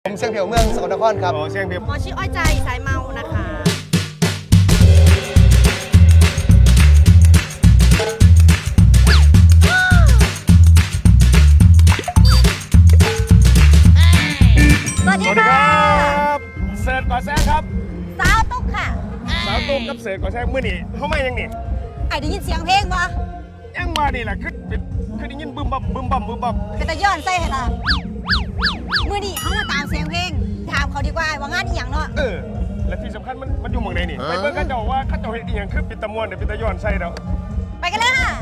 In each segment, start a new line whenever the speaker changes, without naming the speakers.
ผมเชียงเพียวเมืองสกลนครครับ
เชียงเพียว
หมอชื่ออ้อยใจสายเมานะคะ
สวัสดีครับเสิร์ฟก่อแซงครับ
สาวตุ๊กค่ะ
สาวตุ๊กกับเสิร์ฟก่อแซงมื้อนี้เขาไม่ยังนี่
ไอ้ได้ยินเสียงเพลงปะ
ยังมานี่แหละคือได้ยินบึ้มบั่มบึ้มบั่มบึ้มบั่ม
เป็นตะย้อนใส่ให้ล่ะมื้อนี้เขามาตามเสียงเพลงถามเขาดีกว่าว่างานอีหยังเนาะ
และที่สำคัญมันอยู่เมืองไหนนี่ไปเบิ่งเขาเจ้าว่าเขาเจ้าเฮ็ดอีหยังคือเป็นตะม่วนเป็นตะย้อนใส่แล้ว
ไปกันเลยค่ะ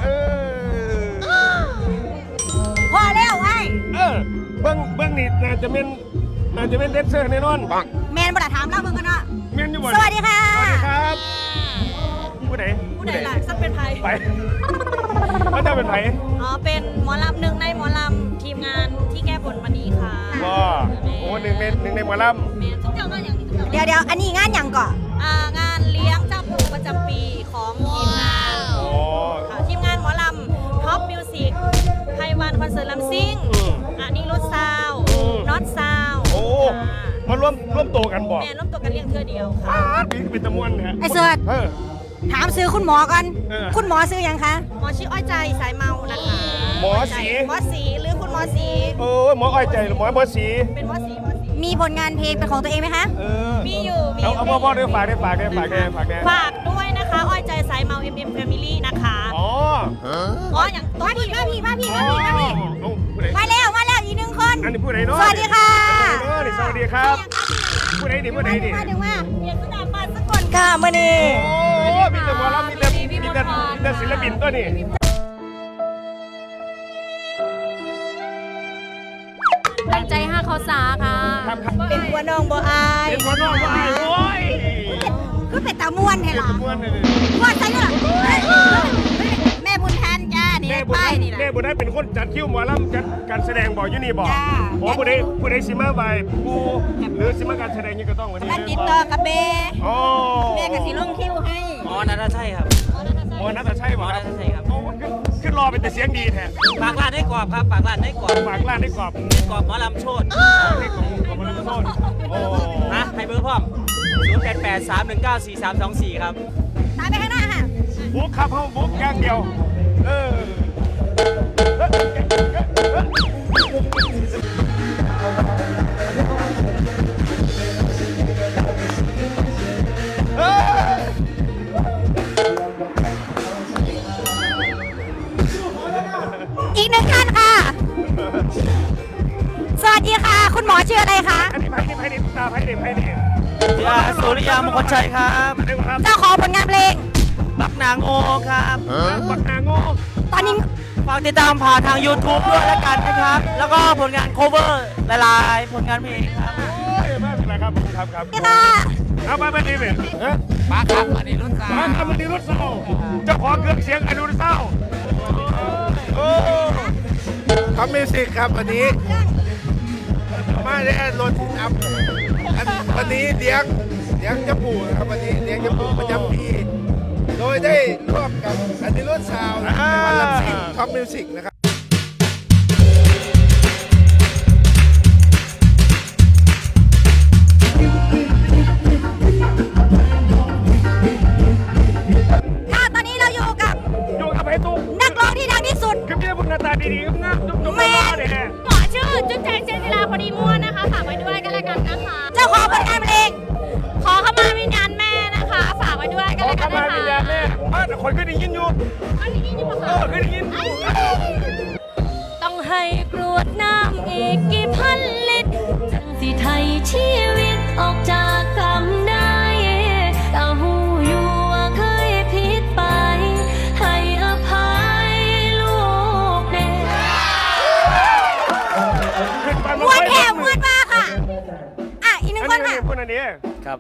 พอแล้วไอ้
เบิ่งนี่น่าจะเป็นเดนเซอร์แน่นอน
แมนบ่ได้ถามเล่าเบิ่งกันเนาะ
แมนอยู่บ่
สวัสดีค่ะ
สวัสดีครับผู้ใด
ล่ะสักเป็นไผ
ไปเขาจะเป็นไผ
อ๋อเป็นหมอลำหนึ่งในหมอลำทีมงานที่แก้บนวันนี้ค่ะ
ว้าโอ้หนึ่งในหมอล
ำเดี๋ยวอันนี้งานอย่างก่อนงานเลี้ยงเจ้าปู่ประจำปีของทีมงานค่ะทีมงานหมอลำท็อปมิวสิกไพวันคอนเสิร์ตลำซิ่งอันนี้รถซาวน็อตซาว
โอ้มาร่วมโตกันบ่
แม่ร่วมโตกันเลี้ยงเธอเดียวค่ะ
เป็นตะมวนเนี่ย
ไอเสิร์ตถามซื้อคุณหมอกันคุณหมอซื้อยังคะหมอชื่ออ้อยใจสายเมานะคะ
หมอสี
หรือคุณหมอสี
หมออ้อยใจหรือหมอสี
เป็นหมอสีมีผลงานเพลงเป็นของตัวเองไหมคะมีอยู่
เอาพ่อได้ฝาก
ด้วยนะคะอ้อยใจสายเมา MM Family นะคะอย่างตัวพี่มาแล้วอีกหนึ่งคน
อันนี้ผู้ใดเนาะ
สวัสดีค่ะ
สวัสดีครับผู้ใดนี่มา
ถึงว่าเพียงสนามบาสกลค่ะมื่อนี้
มีแต่หมอลำมีแต่ศิลปินตัวนี้
แรงใจห้าเขาสาค่ะเป็นหัวน้องบ่อาย
เป็นหัวน้องบ่อายโอ้ย
ก็เป็นตาม้วนเหรอม้วนใช่ไหมแม่บุญแทนจ้านี่ป้ายนี่แหละ
แม่บุญแทนเป็นคนจัดคิวหมอลำจัดการแสดงบอกอยู่นี่บอกผู้ใดซิมาใบผู้หรือซิมาการแสดงนี่ก็ต้องวันนี้
ติดต่อกับแม่กับสิลงคิวให้
นัทชัยครับ
นัทชัยบอก
ครับ
ขึ้นรอเป็นแต่เสียงดีแท้
ปากลาดให้กรอบครับปากลาดให้กรอบ
ห
มอลำโชด
ให้กรอบหมอลำโชด
นะให้เบอร์พร้อม0883194324ครับ
ตามไปข้างหน้าค่ะ
บุ๊กครับเขาบุ๊กอย่างเดียว
อีกหนึ่งท่านค่ะสวัสดีค่ะคุณหมอชื่ออะไรคะ
อันนี้ไพ่ดิตาไพ่ดิ
สุริยามงคลชัยครับ
เจ้าของผลงานเพลง
บักนางโอครับ
บักนางโอ
ตอนนี้
ฝากติดตามผ่านทาง YouTube ด้วยแล้วกันนะครับแล้วก็ผลงาน cover หลายๆผลงานเพลงครับ
ไม่เป็นไรครับครับเอาไปดีเลย
มาครับอันนี้รุ่นสาว
อันนี้รุ่นสาวเจ้าของเครื่องเสียงอันนี้รุ่นสาว
ครับมิวสิกครับวันนี้มาได้รถอัพวันนี้เลี้ยงเจ้าปู่นะครับวันนี้เลี้ยงเจ้าปู่ประจำปีโดยได้ร่วมกับอันนี้รถซาวในวันลำซิ่งท็อปมิวสิกนะครับ
ตอนนี้เราอยู่กับ
ไอ้ตุ๊ก
นักร้องที่ดังที่สุด
คือพี่บุญนาตาดีๆงามจุ๊บ
แม่หมอชื่อจุ๊บแจงเจนจิราพอดีม่วนนะคะฝากไว้ด้วยกันแล้วกันนะคะเจ้าของผลงานเพลงขอขมาวิญญาณแม่นะคะฝากไว้ด้วยกันแล้วกันนะคะ
ขอขมาวิญญาณแม่แต่คนเคยได้ยินอยู่เคยได้ยิน
ต้องให้กรวดน้ำอีกกี่พันลิตรจึงสิไทยชีวิตออกจากกรรมได้แต่หูอยู่ว่าเคยผิดไปให้อภัยลูกเด็กม้วนแถวม้วนมาค่ะอีกหนึ่งคนค่ะ
คนอันนี้
ครับ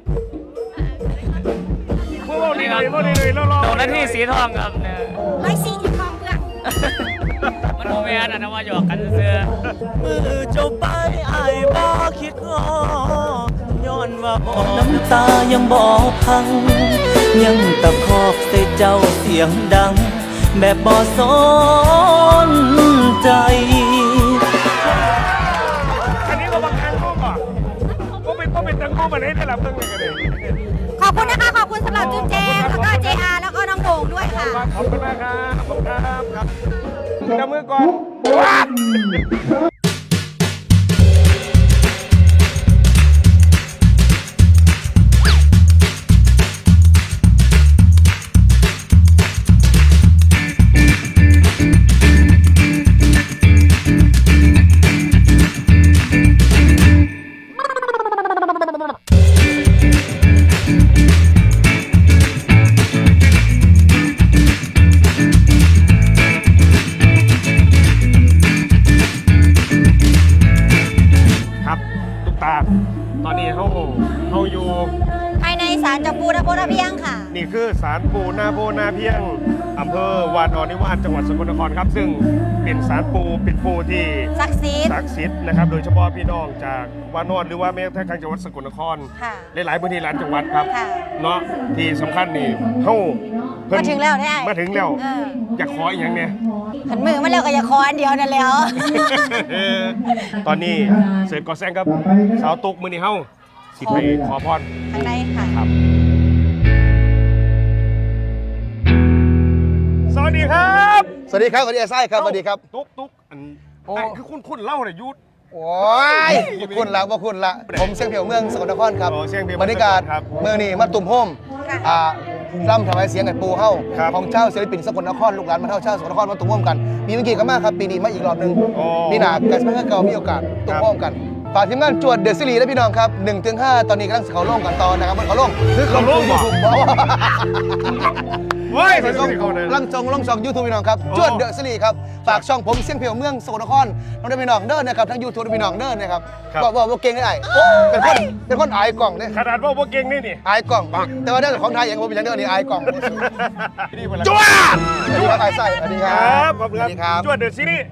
พวกนี้เลยรอ
โดนหน้าที่สีทองครับเนี่ย
140ทองเพื่อน
มันโมเมนต์นะว่าหยอกกันเสื้อมือเจ้าไปไอ้บ่คิดง้อย้อนว่าบ่น้ำตายังบ่พังยังตะคอกใส่เจ้าเสียงดังแบบบ่สนใจ
อันนี้ก็บางครั้งก็คู่มาไหนได้รับเรื่องเลยกันเลย
ขอบคุณนะคะ ขอบคุณสำหรับจุ๊บแจงแล้วก็ JR แล้วก็น้องโด่งด้วยค่ะ
ขอบคุณมากครับขอบคุณครับจับมือก่อนว้า ครับตุ๊กตาตอนนี้เขาอยู่
ภายในศาลเจ้าปู่นโพนาเพียงค่ะ
นี่คือศาลปู่นาโพนาเพียงอำเภอวานอนนิวาสจังหวัดสกลนครครับ ซึ่งเป็นศาลปู่เป็นปู่ที่
ศักดิ์สิทธิ์
ศักดิ์สิทธิ์นะครับ โดยเฉพาะพี่น้องจากวานอนหรือว่าแม้กระทั่งจังหวัดสกลนคร
ค่ะ
หลายๆพื้นที่หลายจังหวัดครับ
ค่ะ
เนาะที่สำคัญนี่เฮาเพิ่น
มาถึงแล้วได้
มาถึงแล้ว
เออ
อยากขออีกอย่างเนี่ย
ขันมือมาแล้วก็อย่าคออันเดียวนั่นแหล้ว
ตอนนี้เสร็จก่อแซงครับสาวตุกมือนี่เฮาสิไปขอพร
ข้างในค่ะ
ครับ สวัสดีครับ
สวัสดีครับสวัสดีไอ้ไส้ครับสวัสดีครับ
ตุ๊กอัน
โอ้
ไอ้คือคุณเล่าหน่อยยุทธ
โอ้ยบ่คุณละบ่คุณละผมเสียงเพียวเมืองสกลนครครับ
อ๋อเสียงเพียว
บรรยากาศ
ครับ
เมืองนี้มาตุ่มโฮมร่ำถวายเสียงกับปูเฮ้า
ครับ
ของเจ้าศิลปินสกลนครลูกหลานมาเท่าเจ้าสกลนครมาตุ่มโฮมกันมีเมื่อกี้ก็มากครับปีนี้มาอีกรอบหนึง
อ๋อ
ปีหน้ากันเมื่อเก่ามีโอกาสตุ่มโฮมกันฝากทีมงานจวดเดอะซีรีส์และพี่น้องครับ 1-5 ตอนนี้กำลังเขาล่งกันตอนนะครับเขาล่ง
คือเขาล่งเหรอ
ถูกบอก
เฮ้ย
เป็น
ต้
ช่
อ
อง ง
เขาเลย
ล่องช่องยูทูบพี่น้องครับ
โอ้
จวดเดอะซีรีส์ครับฝากช่องผมเสียงเพียวเมืองสกลนครน้องได้พี่น้องเด้อนะครับทั้งยูทูบพี่น้องเด้อนะครับ
ครับ
บอกเก่งได้เป็นคนอายกล่องเนี่ย
ขนาดว่าพวกเก่งนี่นี่
อายกล่อง แต่ว่าเรื่องของไทยอย่างผมเป็นอย่างเดียวนี่อายกล่อง
จ้วด
สวัสดีครับไอ้ไส้สวัสดีค
ค
รั
รั
บบ
ขอบคุณ
สวัสดีครับ
จวดเดือดซีรีส์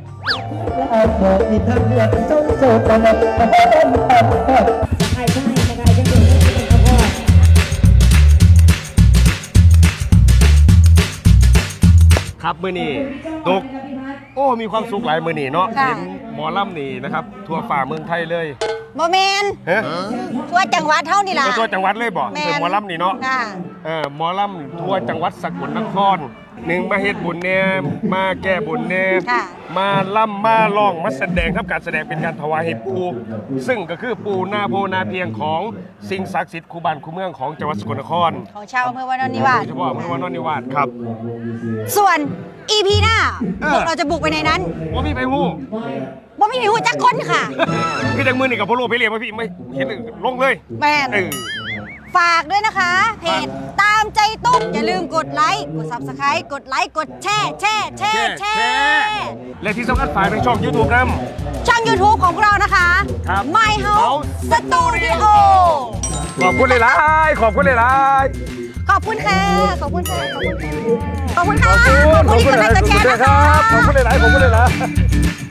ครับมือนี่ตุกโอ้มีความสุขหลายมือนี่เนาะ
ค่ะ
เห็นหมอลำนี่นะครับทั่วฝ่าเมืองไทยเลย
โมเมน
ฮะ
ทั่วจังหวัดเท่านี่ล่ะ
ทั่วจังหวัดเลยบ่
แม่น
คือหมอลำนี่เนาะ
ค่ะ
หมอลำทั่วจังหวัดสกลนครหนึ่งมาเฮ็ดบุญแน่มาแก้บุญแน่
ค่ะ
มาล่ำมาร้องมาแสดงครับการแสดงเป็นการถวายให้ปู่ซึ่งก็คือปู่นาโพนาเพียงของสิ่งศักดิ์สิทธิ์คู่บ้านคู่เมืองของจังหวัดสกลนคร
ของชาวอำเภอวานอนนิวาส
โดยเฉพาะอำเภอวานอนนิวาสครับ
ส่วน EP หน้า
เออ
พวกเราจะบุกไปในนั้น
ว่าพี่ไปฮู้
บ่มีหูจักคนค่ะ
คือจังมือนี่กับพ่อโลไปเรียกว่าพี่ไม่เห็นลงเลย
แม่น
เออ
ฝากด้วยนะคะ เพจตามใจตุ๊กอย่าลืมกดไลค์กด Subscribe กดไลค์กดแชร์แชร์
และที่สำคัญฝากในช่อง YouTube น
ช่อง YouTube ของเรานะคะ
ครับ
My House Studio
ำขอบคุณหลายๆขอบคุณหลาย
ขอบคุณค่ะ ขอบคุณค่ะ ขอบคุณค่ะ ขอบคุณ
ๆ
ค่ะ
ขอบคุณ
กดไลค์กดแชร์นะคะ
ขอบคุณหลายๆขอบคุณหลายๆ